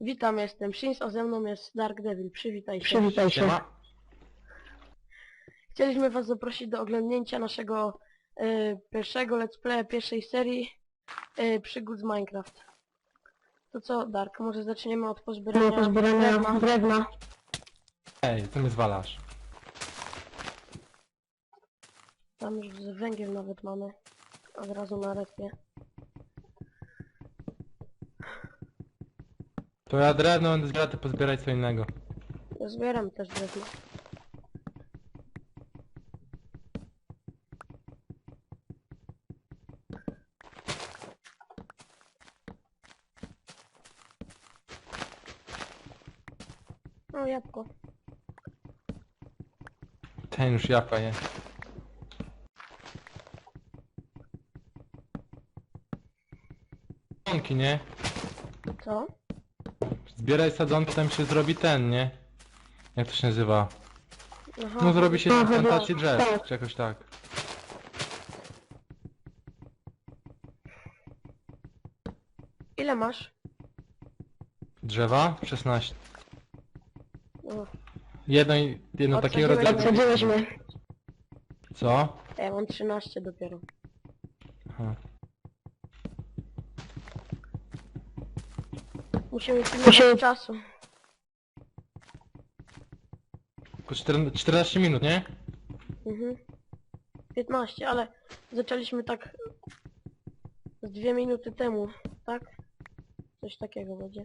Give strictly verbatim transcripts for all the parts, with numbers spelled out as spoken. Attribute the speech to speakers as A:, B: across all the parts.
A: Witam, jestem Shins, a ze mną jest Dark Devil. Przywitaj się.
B: Przywitaj się.
C: Siema.
A: Chcieliśmy was zaprosić do oglądnięcia naszego e, pierwszego let's playa, pierwszej serii e, przygód z Minecraft. To co, Dark, może zaczniemy od pozbierania
B: Do pozbierania
A: drewna.
B: drewna.
C: Ej, co mnie zwalasz?
A: Tam już węgiel nawet mamy. Od razu na respie.
C: To ja drewno będę zbierał, ty pozbieraj co innego.
A: Ja zbieram też drewno. O, jabłko.
C: Ten już japa je. Sadzonki, nie?
A: Co?
C: Zbieraj sadzonki, tam się zrobi ten, nie? Jak to się nazywa?
A: Aha,
C: No zrobi się
B: Aha,
C: plantację
B: no,
C: drzew,
B: tak.
C: czy jakoś tak.
A: Ile masz?
C: Drzewa? szesnaście.
A: O,
C: Jedno, i- jedno takiego
A: Odsadziłeś-
C: rodzaju...
B: Odsadziłeś mnie.
C: Co?
A: ja mam trzynaście dopiero.
C: Aha.
A: Musimy pilnować
B: Musimy-
A: czasu.
C: Tylko czter- czternaście minut, nie?
A: Mhm. piętnaście, ale zaczęliśmy tak z dwie minuty temu, tak? Coś takiego będzie.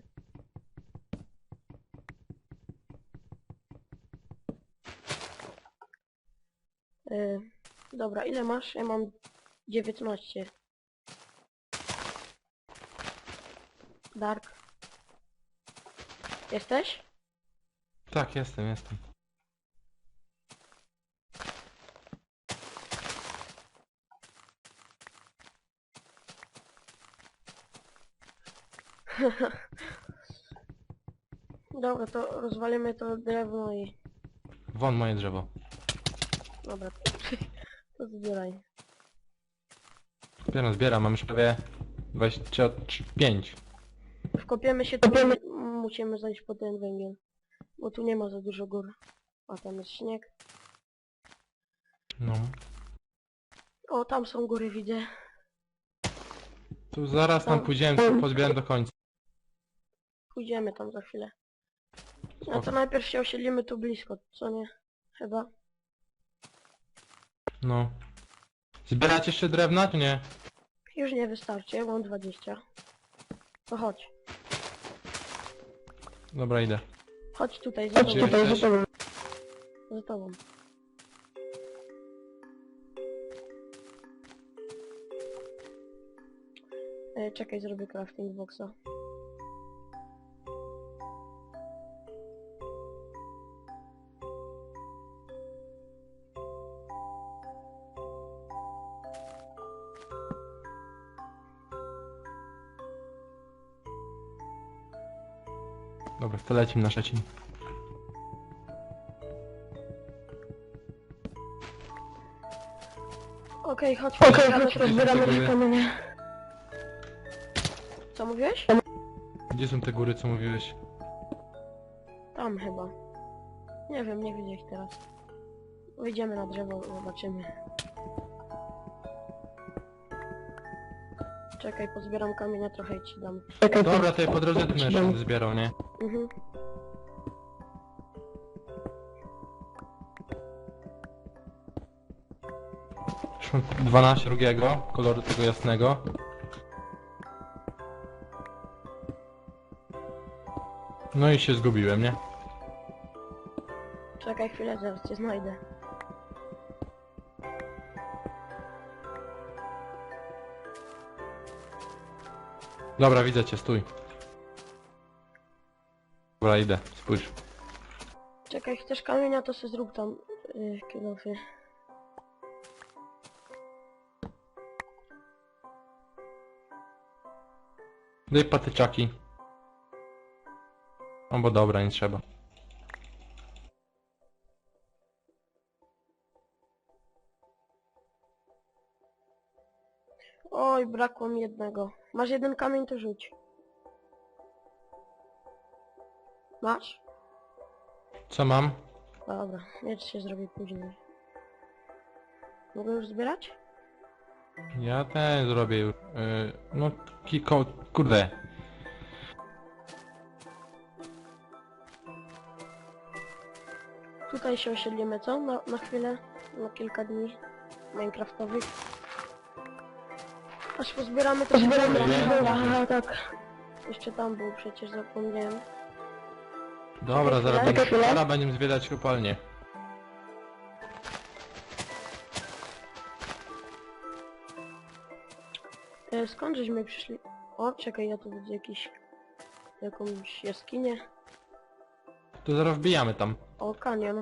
A: Yy, dobra, ile masz? Ja mam dziewiętnaście. Dark. Jesteś?
C: Tak, jestem, jestem.
A: Dobra, to rozwalimy to drewno i...
C: Won moje drzewo.
A: Dobra, to zbieraj.
C: Zbieram, zbieram, mam już prawie dwadzieścia pięć.
A: Wkopiemy się tu, musimy zejść po ten węgiel. Bo tu nie ma za dużo gór. A tam jest śnieg.
C: No.
A: O, tam są góry, widzę.
C: Tu zaraz tam
A: To-
C: pójdziemy, to pozbieram do końca.
A: Pójdziemy tam za chwilę. No
C: Spoko.
A: to najpierw się osiedlimy tu blisko, co nie? Chyba.
C: No. Zbierać jeszcze drewna, czy nie?
A: Już nie wystarczy, ja mam dwadzieścia. To chodź.
C: Dobra, idę.
A: Chodź tutaj, za
B: Chodź
A: tobą.
B: tutaj
C: jesteś?
B: za tobą.
A: Za tobą. E, czekaj, zrobię crafting boxa.
C: Dobra, to lecimy na Szczecin.
A: Okej, chodź,
B: Okej,
A: pozbieramy
B: chodź,
A: te-
B: pozbieramy
C: Dziękuję.
B: te kamienie.
A: Co mówiłeś?
C: Gdzie są te góry, co mówiłeś?
A: Tam chyba. Nie wiem, nie widzę ich teraz. Wyjdziemy na drzewo, zobaczymy. Czekaj, pozbieram kamienia trochę i ci dam.
B: Czekaj,
C: Dobra, to ja po drodze tu jeszcze będę zbierał, nie?
A: Mhm.
C: Już mam dwanaście drugiego, koloru tego jasnego. No i się zgubiłem, nie?
A: Czekaj chwilę, zaraz cię znajdę.
C: Dobra, widzę cię, stój. Dobra, idę, spójrz.
A: Czekaj, chcesz kamienia, to se zrób tam yy, kilofy.
C: Daj patyczaki. O, bo dobra, nie trzeba.
A: Oj, brakło mi jednego. Masz jeden kamień, to rzuć. Masz?
C: Co mam?
A: Dobra, miecz się zrobi później. Mogę już zbierać?
C: Ja ten zrobię już. Yy, no kiko... kurde.
A: Tutaj się osiedlimy, co? Na, na chwilę? Na kilka dni minecraftowych. Aż pozbieramy to się
C: Pozbieramy,
A: dobra.
C: nie?
A: Aha, tak. Jeszcze tam był, przecież zapomniałem.
C: Dobra,
A: Czekaj
C: zaraz,
A: chwilę.
C: będziemy, zaraz będziemy zwiedzać kopalnię.
A: E, skąd żeśmy przyszli? O, czekaj, ja tu widzę jakiś... jakąś jaskinię.
C: To zaraz wbijamy tam.
A: O, kanion.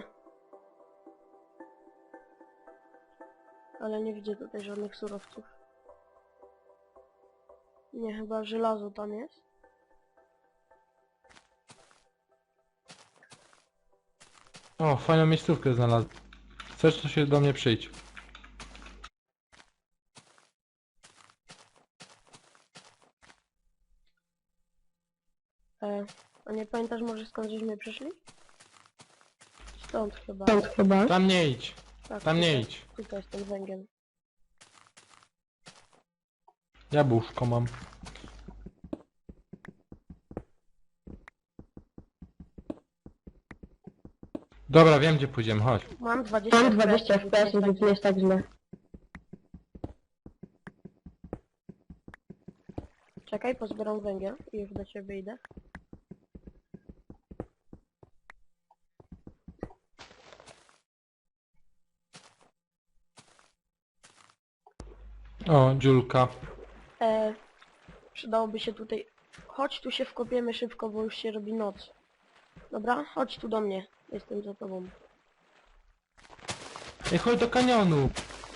A: Ale nie widzę tutaj żadnych surowców. Nie, chyba żelazo tam jest.
C: O, fajną miejscówkę znalazłem. Chcesz, to się do mnie przyjdź.
A: E, a nie pamiętasz może skąd żeśmy przyszli? Stąd chyba.
B: Stąd chyba.
C: Tam nie idź.
A: Tak,
C: Tam nie
A: tutaj,
C: idź.
A: tutaj jest ten węgiel.
C: Jabłuszko mam. Dobra, wiem gdzie pójdziemy, chodź.
A: Mam dwadzieścia
B: Mam dwadzieścia
A: F P S,
B: F P S, więc nie jest tak źle.
A: Czekaj, pozbieram węgiel i już do ciebie idę.
C: O, dziulka.
A: E, przydałoby się tutaj... Chodź tu się wkopiemy szybko, bo już się robi noc. Dobra? Chodź tu do mnie. Jestem za tobą.
C: Ej, chodź do kanionu.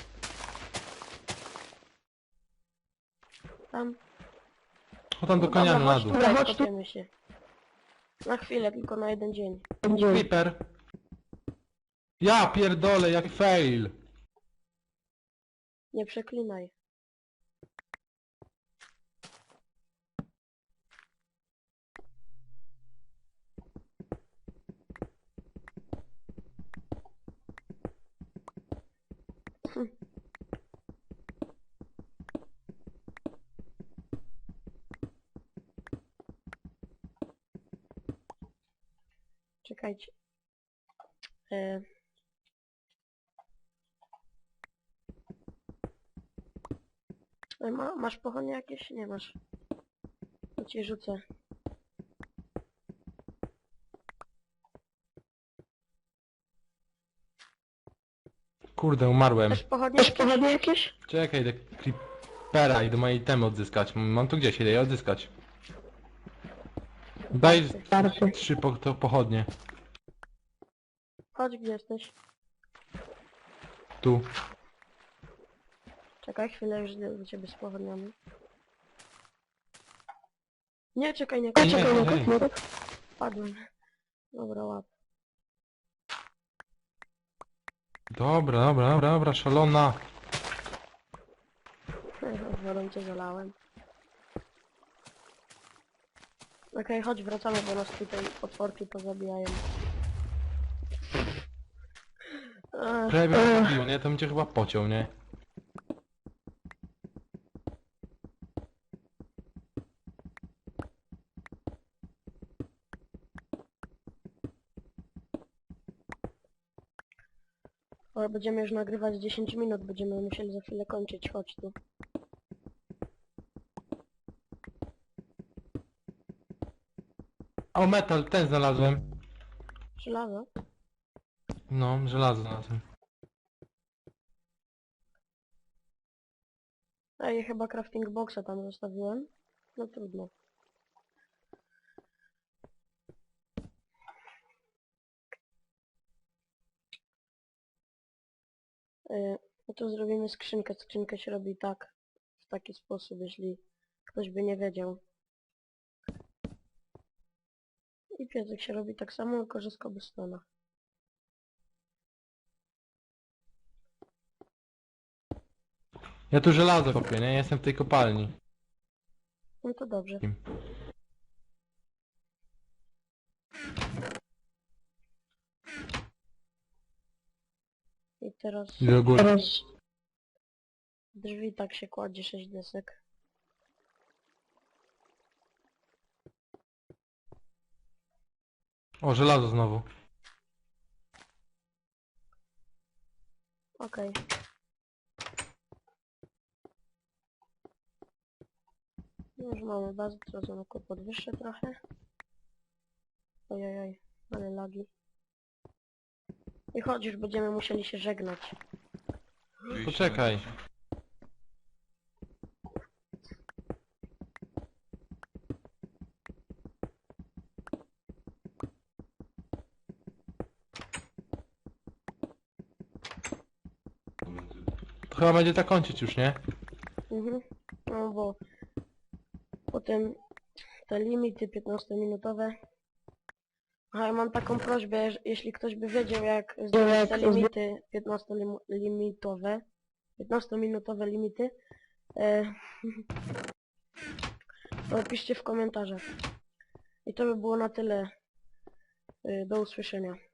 A: Tam.
C: Chodź tam do
A: Dobra,
C: kanionu na
A: chodź
C: dół.
A: tutaj,
B: Chodź tu.
A: wkopiemy się. Na chwilę, tylko na jeden dzień.
B: Będzie.
C: Creeper. Ja pierdolę, jak fail.
A: Nie przeklinaj. Hm. Czekajcie. E... E, Ma, masz pochodnie jakieś? Nie masz. To ci rzucę.
C: Kurde, umarłem.
A: Też pochodnie
B: Też
A: jakieś?
B: pochodnie jakieś?
C: Czekaj, do creepera i do mojej temy odzyskać. Mam tu gdzieś idę je odzyskać. Daj
B: Starczy.
C: trzy po, to pochodnie.
A: Chodź, gdzie jesteś?
C: Tu.
A: Czekaj chwilę, już idę do ciebie z pochodniami. Nie, czekaj, nie
C: Nie,
A: kończę.
B: Czekaj,
C: nie,
B: nie
C: nie.
B: kup, nie kup.
A: Padłem. Dobra, łap.
C: Dobra, dobra, dobra, dobra, szalona.
A: Wodą cię zalałem. Okej, chodź, wracamy, bo nas tutaj potworki pozabijają. Ech,
C: Prawie mnie zabił, nie? To bym cię chyba pociął, nie?
A: ale będziemy już nagrywać dziesięć minut, będziemy musieli za chwilę kończyć, chodź tu.
C: O, metal, ten znalazłem.
A: Żelazo?
C: No, żelazo znalazłem.
A: Ej, chyba crafting boxa tam zostawiłem. No trudno. Yy, no to zrobimy skrzynkę. Skrzynkę się robi tak, w taki sposób, jeśli ktoś by nie wiedział. I piecek się robi tak samo, tylko że z cobblestone'a.
C: Ja tu żelazo kopię, nie? Jestem w tej kopalni.
A: No to dobrze. I teraz
C: I do góry.
A: drzwi. Drzwi tak się kładzie sześć desek.
C: O, żelazo znowu.
A: Okej. Już mamy bazę, co zamku podwyższę trochę. Ojojoj, ale lagi. I chodź, już będziemy musieli się żegnać.
C: Poczekaj. To chyba będzie tak kończyć już, nie?
A: Mhm. No bo potem te limity piętnastominutowe. Aha, ja mam taką prośbę, że jeśli ktoś by wiedział jak zdjąć te limity piętnastolimitowe, piętnastominutowe limity, e, to piszcie w komentarzach. I to by było na tyle. E, do usłyszenia.